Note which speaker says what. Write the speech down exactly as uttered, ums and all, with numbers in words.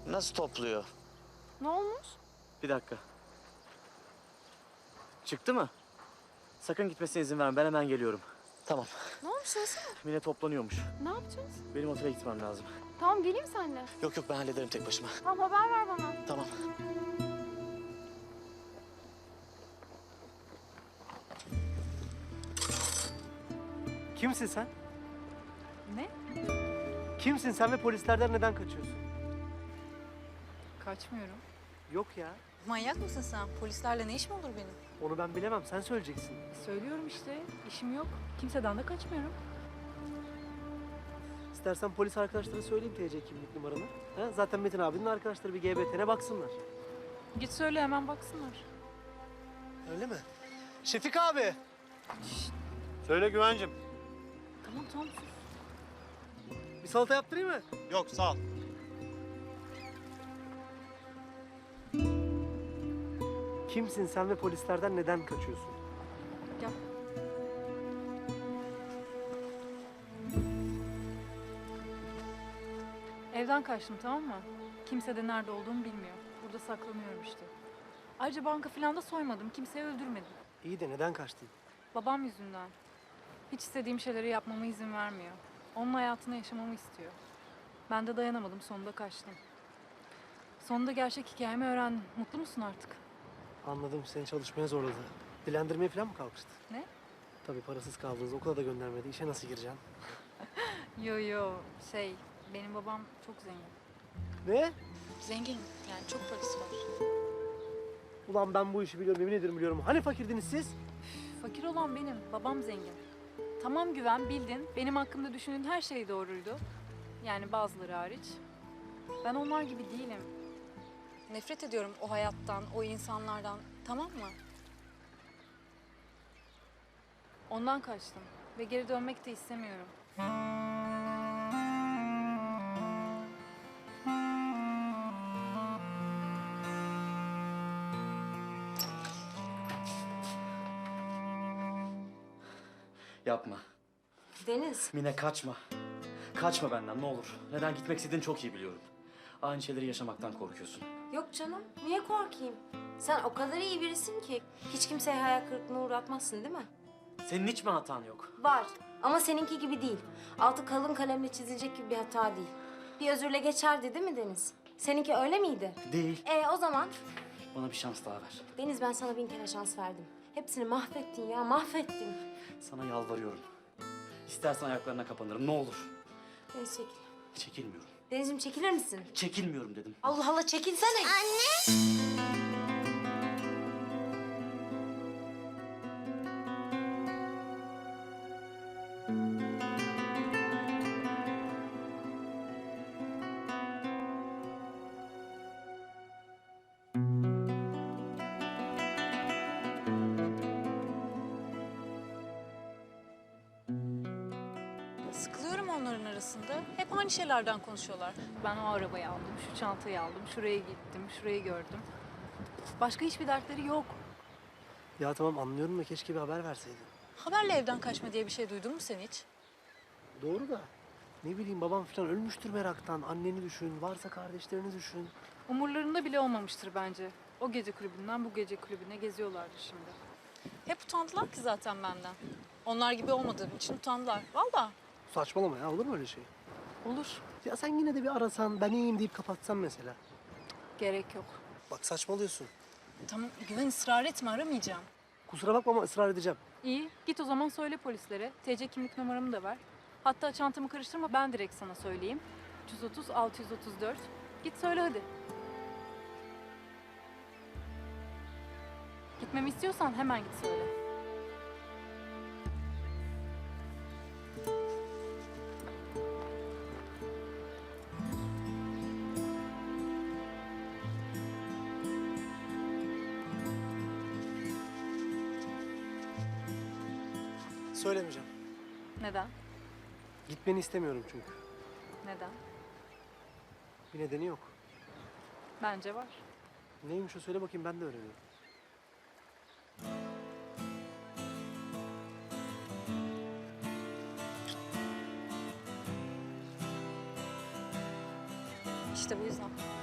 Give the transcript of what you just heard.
Speaker 1: Nasıl topluyor?
Speaker 2: Ne olmuş?
Speaker 3: Bir dakika. Çıktı mı? Sakın gitmesine izin verme. Ben hemen geliyorum.
Speaker 1: Tamam.
Speaker 2: Ne olmuş nasıl?
Speaker 3: Mine toplanıyormuş.
Speaker 2: Ne yapacağız?
Speaker 3: Benim otele gitmem lazım.
Speaker 2: Tamam geleyim seninle.
Speaker 1: Yok yok ben hallederim tek başıma.
Speaker 2: Tamam haber ver bana.
Speaker 1: Tamam.
Speaker 4: Kimsin sen?
Speaker 2: Ne?
Speaker 4: Kimsin sen ve polislerden neden kaçıyorsun?
Speaker 2: Kaçmıyorum.
Speaker 4: Yok ya.
Speaker 5: Manyak mısın sen? Polislerle ne işim olur benim?
Speaker 4: Onu ben bilemem. Sen söyleyeceksin.
Speaker 2: Söylüyorum işte. İşim yok. Kimseden de kaçmıyorum.
Speaker 4: İstersen polis arkadaşlara söyleyeyim T C kimlik numaranı. Ha? Zaten Metin abinin arkadaşları bir G B T'ne baksınlar.
Speaker 2: Git söyle hemen baksınlar.
Speaker 4: Öyle mi? Şefik abi.
Speaker 6: Söyle Güvencim.
Speaker 2: Tamam tamam sus.
Speaker 4: Bir salata yaptırayım mı?
Speaker 6: Yok sağ ol.
Speaker 4: Kimsin sen ve polislerden neden kaçıyorsun?
Speaker 2: Gel. Evden kaçtım tamam mı? Kimse de nerede olduğumu bilmiyor. Burada saklanıyorum işte. Ayrıca banka falan da soymadım. Kimseyi öldürmedim.
Speaker 4: İyi de neden kaçtın?
Speaker 2: Babam yüzünden. Hiç istediğim şeyleri yapmama izin vermiyor. Onun hayatını yaşamamı istiyor. Ben de dayanamadım. Sonunda kaçtım. Sonunda gerçek hikayemi öğrendim. Mutlu musun artık?
Speaker 4: Anladım, seni çalışmaya zorladı. Dilendirmeye falan mı kalkıştı?
Speaker 2: Ne?
Speaker 4: Tabii parasız kaldınız, okula da göndermedi. İşe nasıl gireceksin?
Speaker 2: Yo yo şey benim babam çok zengin.
Speaker 4: Ne?
Speaker 5: Zengin. Yani çok parası var.
Speaker 4: Ulan ben bu işi biliyorum, yemin ederim biliyorum. Hani fakirdiniz siz?
Speaker 2: Fakir olan benim, babam zengin. Tamam Güven, bildin. Benim hakkımda düşündüğün her şey doğruydu. Yani bazıları hariç. Ben onlar gibi değilim.
Speaker 5: Nefret ediyorum o hayattan, o insanlardan. Tamam mı?
Speaker 2: Ondan kaçtım ve geri dönmek de istemiyorum.
Speaker 3: Yapma.
Speaker 7: Deniz,
Speaker 3: Mine kaçma. Kaçma benden ne olur. Neden gitmek istediğini çok iyi biliyorum. Aynı şeyleri yaşamaktan korkuyorsun.
Speaker 7: yok canım. Niye korkayım? Sen o kadar iyi birisin ki hiç kimseye hayal kırıklığına uğratmazsın değil mi?
Speaker 3: Senin hiç mi hatan yok?
Speaker 7: Var ama seninki gibi değil. Altı kalın kalemle çizilecek gibi bir hata değil. Bir özürle geçerdi değil mi Deniz? Seninki öyle miydi?
Speaker 3: Değil.
Speaker 7: E o zaman
Speaker 3: Bana bir şans daha ver.
Speaker 7: Deniz ben sana bin kere şans verdim. Hepsini mahvettin ya, mahvettin.
Speaker 3: Sana yalvarıyorum. İstersen ayaklarına kapanırım ne olur.
Speaker 7: Deniz çekil.
Speaker 3: Çekilmiyorum.
Speaker 7: Deniz'im çekilir misin?
Speaker 3: Çekilmiyorum dedim.
Speaker 7: Allah Allah çekilsene. Anne!
Speaker 5: Sıkılıyorum onların arasında. Hep aynı şeylerden konuşuyorlar.
Speaker 2: Ben o arabayı aldım, şu çantayı aldım, şuraya gittim, şurayı gördüm. Başka hiçbir dertleri yok.
Speaker 4: Ya tamam anlıyorum da keşke bir haber verseydin.
Speaker 5: Haberle evden kaçma diye bir şey duydun mu sen hiç?
Speaker 4: Doğru da ne bileyim babam falan ölmüştür meraktan. Anneni düşün, varsa kardeşlerini düşün.
Speaker 2: Umurlarında bile olmamıştır bence. O gece kulübünden bu gece kulübüne geziyorlardır şimdi.
Speaker 5: Hep utandılar ki zaten benden. Onlar gibi olmadığım için utandılar. Vallahi.
Speaker 4: Saçmalama ya, olur mu öyle şey?
Speaker 2: Olur,
Speaker 4: Ya sen yine de bir arasan, ben iyiyim deyip kapatsan mesela.
Speaker 2: gerek yok.
Speaker 4: Bak saçmalıyorsun.
Speaker 5: Tamam Güven ısrar etme aramayacağım.
Speaker 4: Kusura bakma ama ısrar edeceğim.
Speaker 2: İyi, git o zaman söyle polislere. T C kimlik numaramı da ver. Hatta çantamı karıştırma, ben direkt sana söyleyeyim. üç yüz otuz altı yüz otuz dört. Git söyle hadi. Gitmemi istiyorsan hemen git söyle.
Speaker 4: Söylemeyeceğim.
Speaker 2: Neden?
Speaker 4: Gitmeni istemiyorum çünkü.
Speaker 2: Neden?
Speaker 4: Bir nedeni yok.
Speaker 2: Bence var.
Speaker 4: Neymiş o, söyle bakayım, ben de öğreneyim.
Speaker 5: İşte bu yüzden.